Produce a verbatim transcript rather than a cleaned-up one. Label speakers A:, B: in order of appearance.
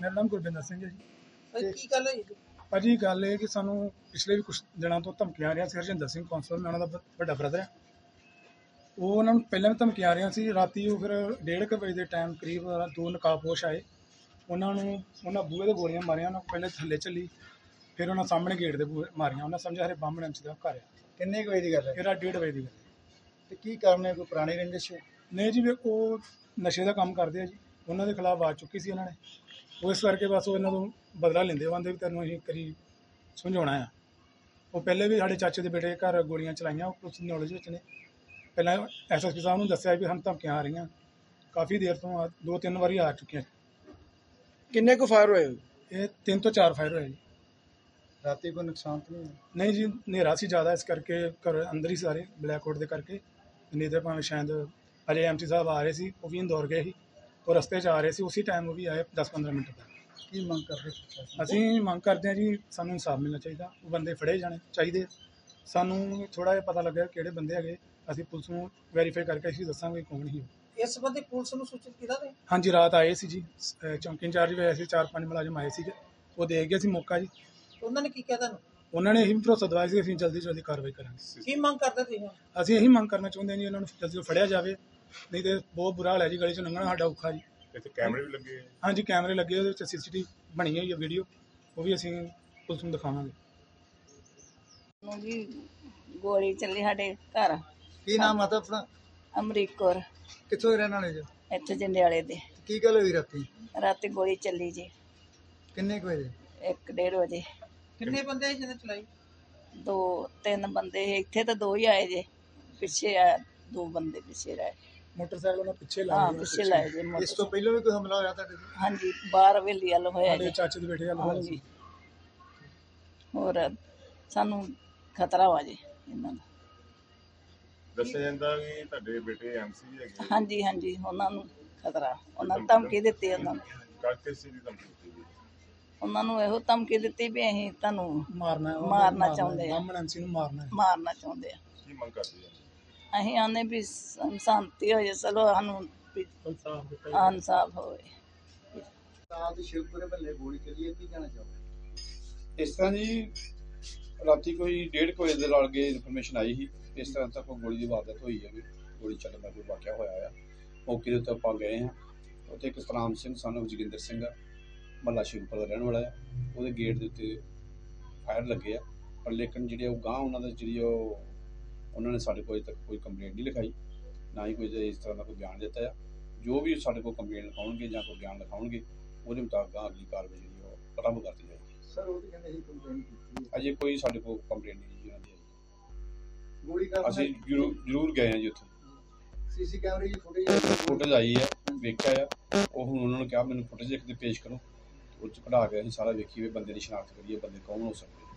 A: ਮੇਰਾ ਨਾਮ ਗੁਰਵਿੰਦਰ ਸਿੰਘ ਹੈ ਜੀ।
B: ਭਾਈ ਕੀ ਗੱਲ ਹੋਈ ਜੀ?
A: ਭਾਜੀ ਗੱਲ ਇਹ ਕਿ ਸਾਨੂੰ ਪਿਛਲੇ ਵੀ ਕੁਝ ਦਿਨਾਂ ਤੋਂ ਧਮਕੀਆਂ ਆ ਰਹੀਆਂ ਸੀ। ਹਰਜਿੰਦਰ ਸਿੰਘ ਕੌਂਸਲ, ਮੈਂ ਉਹਨਾਂ ਦਾ ਵੱਡਾ ਬ੍ਰਦਰ ਹੈ। ਉਹ ਉਹਨਾਂ ਨੂੰ ਪਹਿਲਾਂ ਵੀ ਧਮਕੀਆਂ ਆ ਰਹੀਆਂ ਸੀ। ਰਾਤੀ ਉਹ ਫਿਰ ਡੇਢ ਕੁ ਵਜੇ ਦੇ ਟਾਈਮ ਕਰੀਬ ਦੋ ਨਕਾਬਪੋਸ਼ ਆਏ। ਉਹਨਾਂ ਨੂੰ ਉਹਨਾਂ ਬੂਹੇ ਦੇ ਗੋਲੀਆਂ ਮਾਰੀਆਂ। ਉਹਨਾਂ ਪਹਿਲੇ ਥੱਲੇ ਚੱਲੀ, ਫਿਰ ਉਹਨਾਂ ਸਾਹਮਣੇ ਗੇਟ ਦੇ ਬੂਹੇ ਮਾਰੀਆਂ। ਉਹਨਾਂ ਸਮਝਿਆ ਹਰੇ ਬਾਹਮਣ ਐਮ ਸੀ ਦਾ ਘਰ ਆ।
B: ਕਿੰਨੇ ਕੁ ਵਜੇ ਦੀ ਗੱਲ ਹੈ?
A: ਇਹਦਾ ਡੇਢ ਵਜੇ ਦੀ ਗੱਲ।
B: ਤੇ ਕੀ ਕਾਰਨ ਹੈ? ਕੋਈ ਪੁਰਾਣੀ ਰੰਜਿਸ਼ ਹੈ?
A: ਨਹੀਂ ਜੀ, ਵੀ ਉਹ ਨਸ਼ੇ ਦਾ ਕੰਮ ਕਰਦੇ ਆ ਜੀ। ਉਹਨਾਂ ਦੇ ਖਿਲਾਫ ਆਵਾਜ਼ ਚੁੱਕੀ ਸੀ ਉਹਨਾਂ ਨੇ। ਉਹ ਇਸ ਕਰਕੇ ਬਸ ਉਹ ਇਹਨਾਂ ਤੋਂ ਬਦਲਾ ਲੈਂਦੇ। ਉਹ ਕਹਿੰਦੇ ਵੀ ਤੈਨੂੰ ਅਸੀਂ ਕਰੀ ਸਮਝਾਉਣਾ ਆ। ਉਹ ਪਹਿਲੇ ਵੀ ਸਾਡੇ ਚਾਚੇ ਦੇ ਬੇਟੇ ਦੇ ਘਰ ਗੋਲੀਆਂ ਚਲਾਈਆਂ। ਉਹ ਕੁਛ ਨੌਲੇਜ ਵਿੱਚ ਨੇ। ਪਹਿਲਾਂ ਐਸ ਐਸ ਪੀ ਸਾਹਿਬ ਨੂੰ ਦੱਸਿਆ ਵੀ ਸਾਨੂੰ ਧਮਕੀਆਂ ਆ ਰਹੀਆਂ। ਕਾਫੀ ਦੇਰ ਤੋਂ ਆ, ਦੋ ਤਿੰਨ ਵਾਰੀ ਆ ਚੁੱਕੀਆਂ।
B: ਕਿੰਨੇ ਕੁ ਫਾਇਰ ਹੋਏ?
A: ਇਹ ਤਿੰਨ ਤੋਂ ਚਾਰ ਫਾਇਰ ਹੋਏ ਜੀ।
B: ਰਾਤੀ ਕੋਈ ਨੁਕਸਾਨ ਤਾਂ ਨਹੀਂ ਹੋਇਆ?
A: ਨਹੀਂ ਜੀ, ਹਨੇਰਾ ਸੀ ਜ਼ਿਆਦਾ, ਇਸ ਕਰਕੇ ਘਰ ਅੰਦਰ ਹੀ ਸਾਰੇ ਬਲੈਕਆਊਟ ਦੇ ਕਰਕੇ। ਨਹੀਂ ਤਾਂ ਭਾਵੇਂ ਸ਼ਾਇਦ ਅਜੇ ਐਮ ਸੀ ਸਾਹਿਬ ਆ ਰਹੇ ਸੀ, ਉਹ ਵੀ ਇੰਦੌਰ ਗਏ ਸੀ। ਉਹ ਰਸਤੇ 'ਚ ਆ ਰਹੇ ਸੀ, ਉਸੇ ਟਾਈਮ ਉਹ ਵੀ ਆਏ ਦਸ ਪੰਦਰਾਂ ਮਿੰਟ ਤੱਕ।
B: ਕੀ ਮੰਗ ਕਰਦੇ?
A: ਅਸੀਂ ਮੰਗ ਕਰਦੇ ਹਾਂ ਜੀ, ਸਾਨੂੰ ਇਨਸਾਫ ਮਿਲਣਾ ਚਾਹੀਦਾ। ਉਹ ਬੰਦੇ ਫੜੇ ਜਾਣੇ ਚਾਹੀਦੇ। ਸਾਨੂੰ ਥੋੜ੍ਹਾ ਜਿਹਾ ਪਤਾ ਲੱਗਿਆ ਕਿਹੜੇ ਬੰਦੇ ਹੈਗੇ। ਅਸੀਂ ਪੁਲਿਸ ਨੂੰ ਵੈਰੀਫਾਈ ਕਰਕੇ ਅਸੀਂ ਦੱਸਾਂਗੇ ਕੌਣ ਸੀ।
B: ਇਸ ਸੰਬੰਧੀ ਪੁਲਿਸ ਨੂੰ ਸੂਚਿਤ ਕੀਤਾ ਤੇ?
A: ਹਾਂਜੀ, ਰਾਤ ਆਏ ਸੀ ਜੀ। ਚੌਂਕੀ ਇੰਚਾਰਜ ਵੀ ਆਏ ਸੀ, ਚਾਰ ਪੰਜ ਮੁਲਾਜ਼ਮ ਆਏ ਸੀਗੇ। ਉਹ ਦੇਖ ਗਏ ਸੀ ਮੌਕਾ ਜੀ।
B: ਉਹਨਾਂ ਨੇ ਕੀ ਕਿਹਾ ਤੁਹਾਨੂੰ?
A: ਉਹਨਾਂ ਨੇ ਇਹੀ ਭਰੋਸਾ ਦਵਾਇਆ ਸੀ ਅਸੀਂ ਜਲਦੀ ਜਲਦੀ ਕਾਰਵਾਈ ਕਰਾਂਗੇ।
B: ਕੀ ਮੰਗ ਕਰਦੇ ਤੁਸੀਂ?
A: ਅਸੀਂ ਇਹੀ ਮੰਗ ਕਰਨਾ ਚਾਹੁੰਦੇ ਹਾਂ ਜੀ, ਉਹਨਾਂ ਨੂੰ ਜਲਦੀ ਫੜਿਆ ਜਾਵੇ। ਨਹੀਂ ਤੇ ਬਹੁਤ ਬੁਰਾ ਹਾਲ ਹੈ ਜੀ, ਗਲੀ 'ਚ ਲੰਘਣਾ ਸਾਡਾ ਔਖਾ ਜੀ।
C: ਇੱਥੇ ਕੈਮਰੇ ਵੀ ਲੱਗੇ?
A: ਹਾਂਜੀ, ਕੈਮਰੇ ਲੱਗੇ। ਉਹਦੇ ਵਿੱਚ ਸੀ ਸੀ ਟੀ ਵੀ ਬਣੀ ਹੋਈ ਹੈ ਵੀਡੀਓ, ਉਹ ਵੀ ਅਸੀਂ ਪੁਲਿਸ ਨੂੰ ਦਿਖਾਵਾਂਗੇ।
D: ਜੀ ਗੋਲੀ ਚੱਲੀ ਸਾਡੇ ਘਰ।
B: ਕੀ ਨਾਮ ਆ ਆਪਣਾ?
D: ਅਮਰੀਕ ਕੌਰ।
B: ਕਿੱਥੋਂ ਦੇ ਰਹਿਣ ਵਾਲੇ ਜੀ?
D: ਇੱਥੇ ਜੰਡਿਆਲੇ ਦੇ।
B: ਕੀ ਗੱਲ ਹੋਈ ਰਾਤੀ?
D: ਰਾਤੀ ਗੋਲੀ ਚੱਲੀ ਜੀ
B: ਕਿੰਨੇ ਕੁ ਵਜੇ?
D: ਇੱਕ ਡੇਢ ਵਜੇ।
B: ਕਿੰਨੇ ਬੰਦੇ ਸੀ ਜਿਹਨੇ ਚਲਾਈ?
D: ਦੋ ਤਿੰਨ ਬੰਦੇ ਸੀ। ਇੱਥੇ ਤਾਂ ਦੋ ਹੀ ਆਏ ਜੇ, ਪਿੱਛੇ ਆ ਦੋ ਬੰਦੇ ਪਿੱਛੇ ਰਹੇ।
A: ਮੋਟਰਸਾਈਕਲ ਉਹਨਾਂ ਪਿੱਛੇ
D: ਹਾਂ,
A: ਲਾਇਆ।
D: ਪਿੱਛੇ ਲਾਏ ਜੇ
B: ਇਸ ਤੋਂ
D: ਮੋਟਰ।
B: ਪਹਿਲਾਂ ਵੀ ਕੋਈ ਹਮਲਾ ਹੋਇਆ ਤੁਹਾਡੇ ਤੇ?
D: ਹਾਂਜੀ, ਬਾਹਰ ਹਵੇਲੀ ਵੱਲ ਹੋਇਆ
A: ਸਾਡੇ
D: ਜੀ।
A: ਚਾਚੇ ਦੇ ਬੇਟੇ ਵਾਲਾ
D: ਹਾਂਜੀ, ਹੋਰ ਸਾਨੂੰ ਖਤਰਾ ਵਾ ਜੀ ਇਹਨਾਂ ਦਾ।
C: ਦੱਸਿਆ ਜਾਂਦਾ ਵੀ ਤੁਹਾਡੇ ਬੇਟੇ ਐਮ ਸੀ ਵੀ ਹੈਗੇ।
D: ਹਾਂਜੀ ਹਾਂਜੀ, ਉਹਨਾਂ ਨੂੰ ਖਤਰਾ। ਉਹਨਾਂ ਨੂੰ ਧਮਕੀ ਦਿੱਤੀ। ਉਹਨਾਂ ਨੂੰ
C: ਕਾਕੇ ਸੀ ਦੀ ਧਮਕੀ ਦਿੱਤੀ ਗਈ।
D: ਉਹਨਾਂ ਨੂੰ ਇਹੋ ਧਮਕੀ ਦਿੱਤੀ ਵੀ ਅਸੀਂ ਤੁਹਾਨੂੰ
A: ਮਾਰਨਾ ਹੈ,
D: ਮਾਰਨਾ ਚਾਹੁੰਦੇ ਆ।
A: ਬਾਹਮਣ ਐਮ ਸੀ ਨੂੰ ਮਾਰਨਾ ਹੈ।
D: ਮਾਰਨਾ ਚਾਹੁੰਦੇ ਆ।
C: ਕੀ ਮੰਗ ਕਰਦੇ ਆ?
D: ਅਸੀਂ ਆਨੇ ਵੀ ਸ- ਸ਼ਾਂਤੀ ਹੋ ਜਾਏ। ਚਲੋ ਸਾਨੂੰ ਵੀ
A: ਇਨਸਾਫ਼ ਦਿੱਤਾ ਜਾਵੇ।
D: ਇਨਸਾਫ ਹੋਵੇ।
B: ਸਾਹ ਦੀ ਸ਼ਿਵਪੁਰੇ ਮਹੱਲੇ ਗੋਲੀ ਚੱਲੀ ਹੈ, ਕੀ ਕਹਿਣਾ ਚਾਹੋਗੇ?
E: ਇਸ ਤਰ੍ਹਾਂ ਜੀ, ਰਾਤੀ ਕੋਈ ਡੇਢ ਕੁ ਵਜੇ ਦੇ ਨਾਲ ਗਏ ਇਨਫੋਰਮੇਸ਼ਨ ਆਈ ਸੀ ਇਸ ਤਰ੍ਹਾਂ ਤੱਕ ਗੋਲੀ ਦੀ ਵਾਰਦਾਤ ਹੋਈ ਹੈ ਵੀ ਗੋਲੀ ਚੱਲਣ ਦਾ ਕੋਈ ਵਾਕਿਆ ਹੋਇਆ ਆ। ਮੌਕੇ ਦੇ ਉੱਤੇ ਆਪਾਂ ਗਏ ਹਾਂ। ਉੱਥੇ ਇੱਕ ਸਤਨਾਮ ਸਿੰਘ ਸਾਨੂੰ ਜੋਗਿੰਦਰ ਸਿੰਘ ਆ, ਮਹੱਲਾ ਸ਼ਿਵਪੁਰ ਦਾ ਰਹਿਣ ਵਾਲਾ ਆ। ਉਹਦੇ ਗੇਟ ਦੇ ਉੱਤੇ ਫਾਇਰ ਲੱਗੇ ਆ, ਪਰ ਲੇਕਿਨ ਜਿਹੜੇ ਉਹ ਗਾਂਹ ਉਹਨਾਂ ਦਾ ਜਿਹੜੀ ਉਹ ਉਹਨਾਂ ਨੇ ਸਾਡੇ ਕੋਲ ਅਜੇ ਤੱਕ ਕੋਈ ਕੰਪਲੇਂਟ ਨਹੀਂ ਲਿਖਾਈ, ਨਾ ਹੀ ਕੋਈ ਇਸ ਤਰ੍ਹਾਂ ਦਾ ਕੋਈ ਬਿਆਨ ਦਿੱਤਾ ਆ। ਜੋ ਵੀ ਸਾਡੇ ਕੋਲ ਕੰਪਲੇਂਟ ਲਿਖਾਉਣਗੇ ਜਾਂ ਕੋਈ ਬਿਆਨ ਲਿਖਾਉਣਗੇ, ਉਹਦੇ ਮੁਤਾਬਕ ਅਗਲੀ ਕਾਰਵਾਈ ਜਿਹੜੀ ਉਹ ਆਰੰਭ ਕਰਤੀ ਜਾਏਗੀ।
B: ਸਰ ਉਹ ਤਾਂ ਕਹਿੰਦੇ ਸੀ ਕੰਪਲੇਂਟ ਕੀਤੀ ਹੈ।
E: ਅਜੇ ਕੋਈ ਸਾਡੇ ਕੋਲ ਕੰਪਲੇਂਟ ਨਹੀਂ ਜੀ ਉਹਨਾਂ ਦੀ।
B: ਗੋਲੀ ਕਾਰਨ
E: ਅਸੀਂ ਜ਼ਰੂਰ ਜ਼ਰੂਰ ਗਏ ਹਾਂ ਜੀ ਉੱਥੇ।
B: ਸੀਸੀ ਕੈਮਰੇ ਦੀ ਫੁਟੇਜ
E: ਫੁਟੇਜ ਆਈ ਹੈ, ਵੇਖਿਆ ਆ। ਉਹ ਹੁਣ ਉਹਨਾਂ ਨੂੰ ਕਿਹਾ ਮੈਨੂੰ ਫੁਟੇਜ ਇੱਕ ਦੇ ਪੇਸ਼ ਕਰੋ। ਉਹ 'ਚ ਕਢਾ ਕੇ ਅਸੀਂ ਸਾਰਾ ਵੇਖੀਏ, ਬੰਦੇ ਦੀ ਸ਼ਨਾਖਤ ਕਰੀਏ, ਬੰਦੇ ਕੌਣ ਹੋ ਸਕਦੇ।